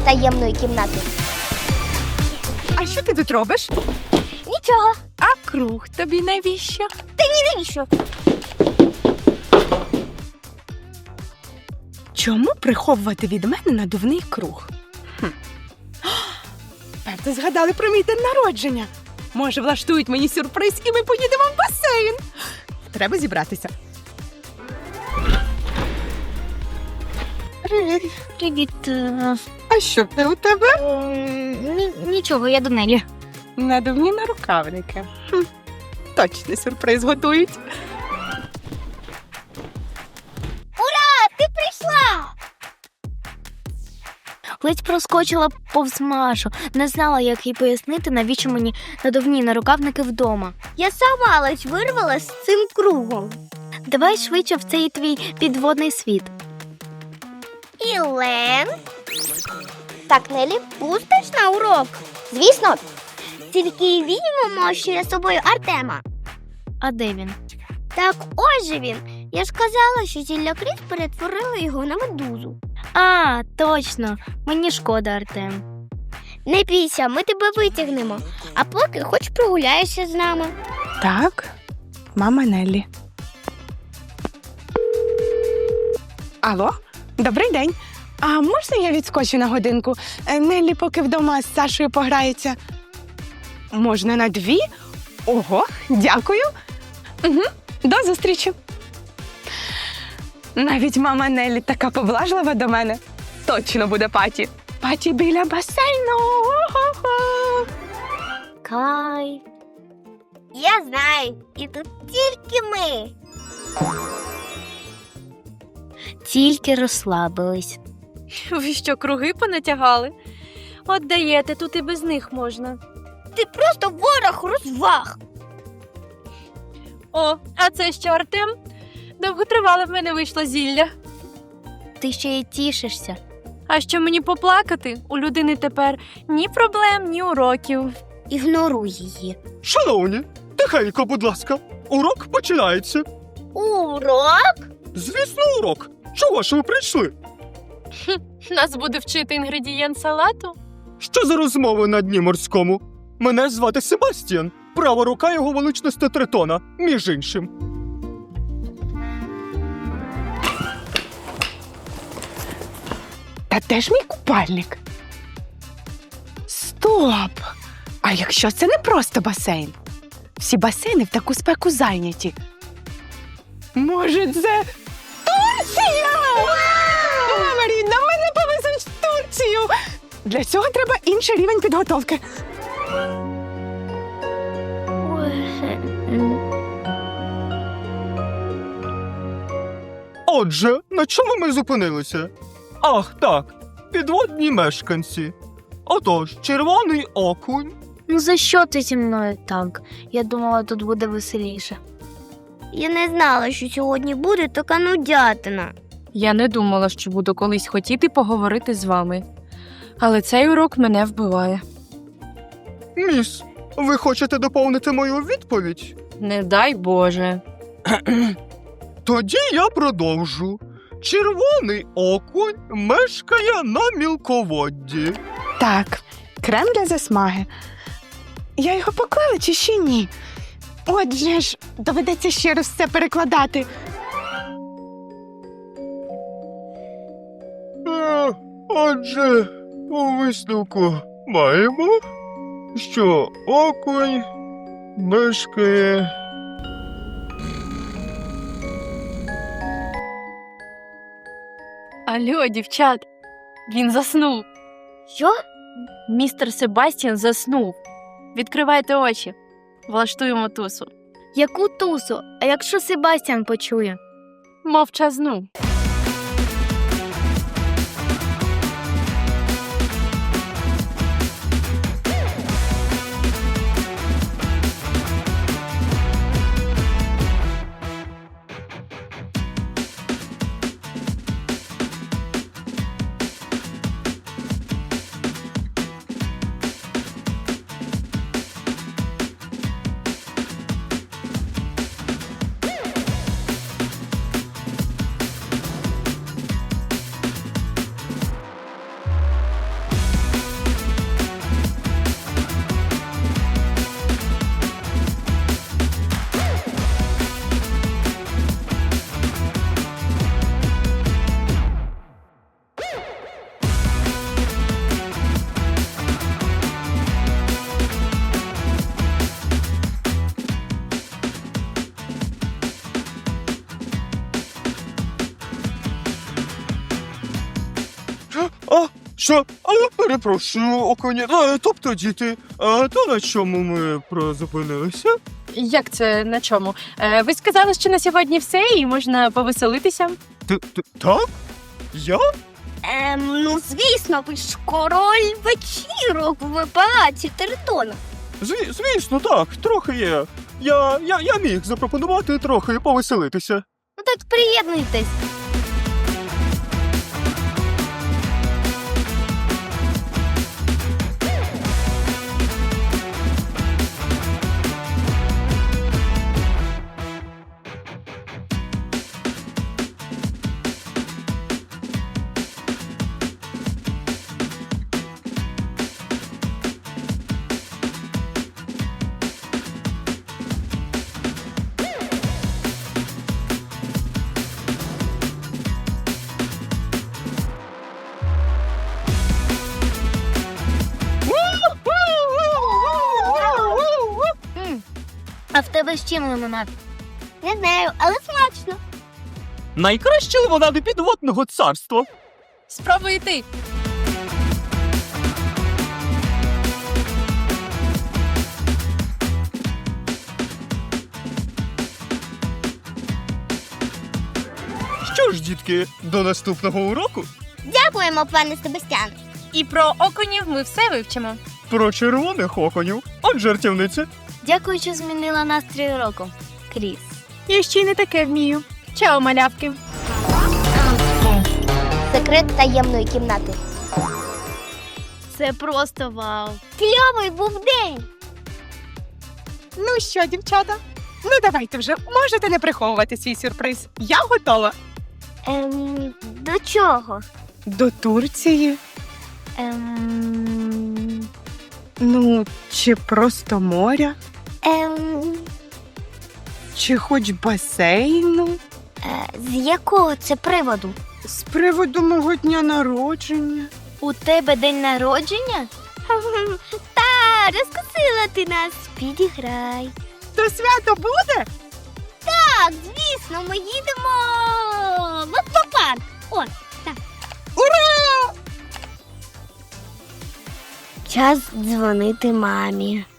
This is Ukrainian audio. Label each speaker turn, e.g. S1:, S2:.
S1: таємної кімнати.
S2: А що ти тут робиш?
S1: Нічого.
S2: А круг тобі навіщо?
S1: Навіщо?
S2: Чому приховувати від мене надувний круг? Певно, згадали про мій день народження. Може, влаштують мені сюрприз і ми поїдемо в басейн. Треба зібратися.
S1: Привіт.
S2: А що це у тебе?
S1: Нічого, я до Нелі.
S2: Надувні нарукавники. Точно сюрприз готують.
S1: Ти прийшла! Ледь проскочила повз Машу. Не знала, як їй пояснити, навіщо мені надувні нарукавники вдома. Я сама ледь вирвала з цим кругом. Давай швидше в цей твій підводний світ. Ілен? Так, Нелі, пустиш на урок? Звісно. Тільки візьмемо ще з собою Артема. А де він? Так ось же він. Я ж казала, що зілля Кріс перетворила його на медузу. А, точно. Мені шкода, Артем. Не бійся, ми тебе витягнемо. А поки хоч прогуляєшся з нами.
S2: Так, мама Неллі. Алло, добрий день. А можна я відскочу на годинку? Неллі поки вдома з Сашою пограється. Можна на 2? Ого, дякую. Угу, до зустрічі. Навіть мама Неллі така поблажлива до мене. Точно буде паті. Паті біля басейну. О-хо-хо.
S1: Кайф. Я знаю, і тут тільки ми. Тільки розслабились.
S3: Ви що, круги понатягали? От даєте, тут і без них можна.
S1: Ти просто ворог розваг.
S3: О, а це що, Артем? Довготривале в мене вийшло зілля.
S1: Ти ще й тішишся.
S3: А що мені поплакати? У людини тепер ні проблем, ні уроків.
S1: Ігноруй її.
S4: Шановні, тихенько, будь ласка. Урок починається.
S1: Урок?
S4: Звісно, урок. Чого ж ви прийшли?
S3: Нас буде вчити інгредієнт салату?
S4: Що за розмови на дні морському? Мене звати Себастьян. Права рука його величності Тритона, між іншим.
S2: Та де ж мій купальник? Стоп! А якщо це не просто басейн? Всі басейни в таку спеку зайняті. Може, це Турція? Мама рідна, мене повезуть в Турцію! Для цього треба інший рівень підготовки.
S4: Отже, на чому ми зупинилися? Ах, так, підводні мешканці. Отож, червоний окунь.
S1: Ну за що ти зі мною так? Я думала, тут буде веселіше. Я не знала, що сьогодні буде така нудятина.
S3: Я не думала, що буду колись хотіти поговорити з вами. Але цей урок мене вбиває.
S4: Міс, ви хочете доповнити мою відповідь?
S3: Не дай Боже.
S4: Тоді я продовжу. Червоний окунь мешкає на мілководді.
S2: Так, крем для засмаги. Я його поклала чи ще ні? Отже ж, доведеться ще раз все перекладати.
S4: Отже, у висновку маємо, що окунь мешкає...
S3: Алло, дівчат, він заснув.
S1: Що?
S3: Містер Себастьян заснув. Відкривайте очі. Влаштуємо тусу.
S1: Яку тусу? А якщо Себастьян почує?
S3: Мовчазну.
S4: А, що? А я перепрошую, оконі. Тобто, діти, то на чому ми призупинилися?
S3: Як це на чому? Ви сказали, що на сьогодні все і можна повеселитися?
S4: Так? Я?
S1: Ну, звісно, ви ж король вечірок в палаці Тритона.
S4: Звісно, так, трохи є. Я міг запропонувати трохи повеселитися.
S1: Ну так приєднуйтесь. А в тебе з чим лимонад? Не знаю, але смачно.
S4: Найкращі лимонади підводного царства.
S3: Спробуй ти.
S4: Що ж, дітки, до наступного уроку.
S1: Дякуємо, пане Себастьян.
S3: І про окунів ми все вивчимо.
S4: Про червоних оконів. От жартівниця.
S1: Дякую, що змінила настрій уроку. Кріс.
S3: Я ще й не таке вмію. Чао, малявки.
S1: Секрет таємної кімнати. Це просто вау. Кльовий був день.
S2: Ну що, дівчата? Ну давайте вже, можете не приховувати свій сюрприз. Я готова.
S1: До чого?
S2: До Турції? Ну, чи просто моря? Чи хоч басейну?
S1: З якого це приводу?
S2: З приводу мого дня народження.
S1: У тебе день народження? Та, розкусила ти нас. Підіграй.
S2: То свято буде?
S1: Так, звісно, ми їдемо в аквапарк. О, так.
S2: Ура!
S1: Час дзвонити мамі.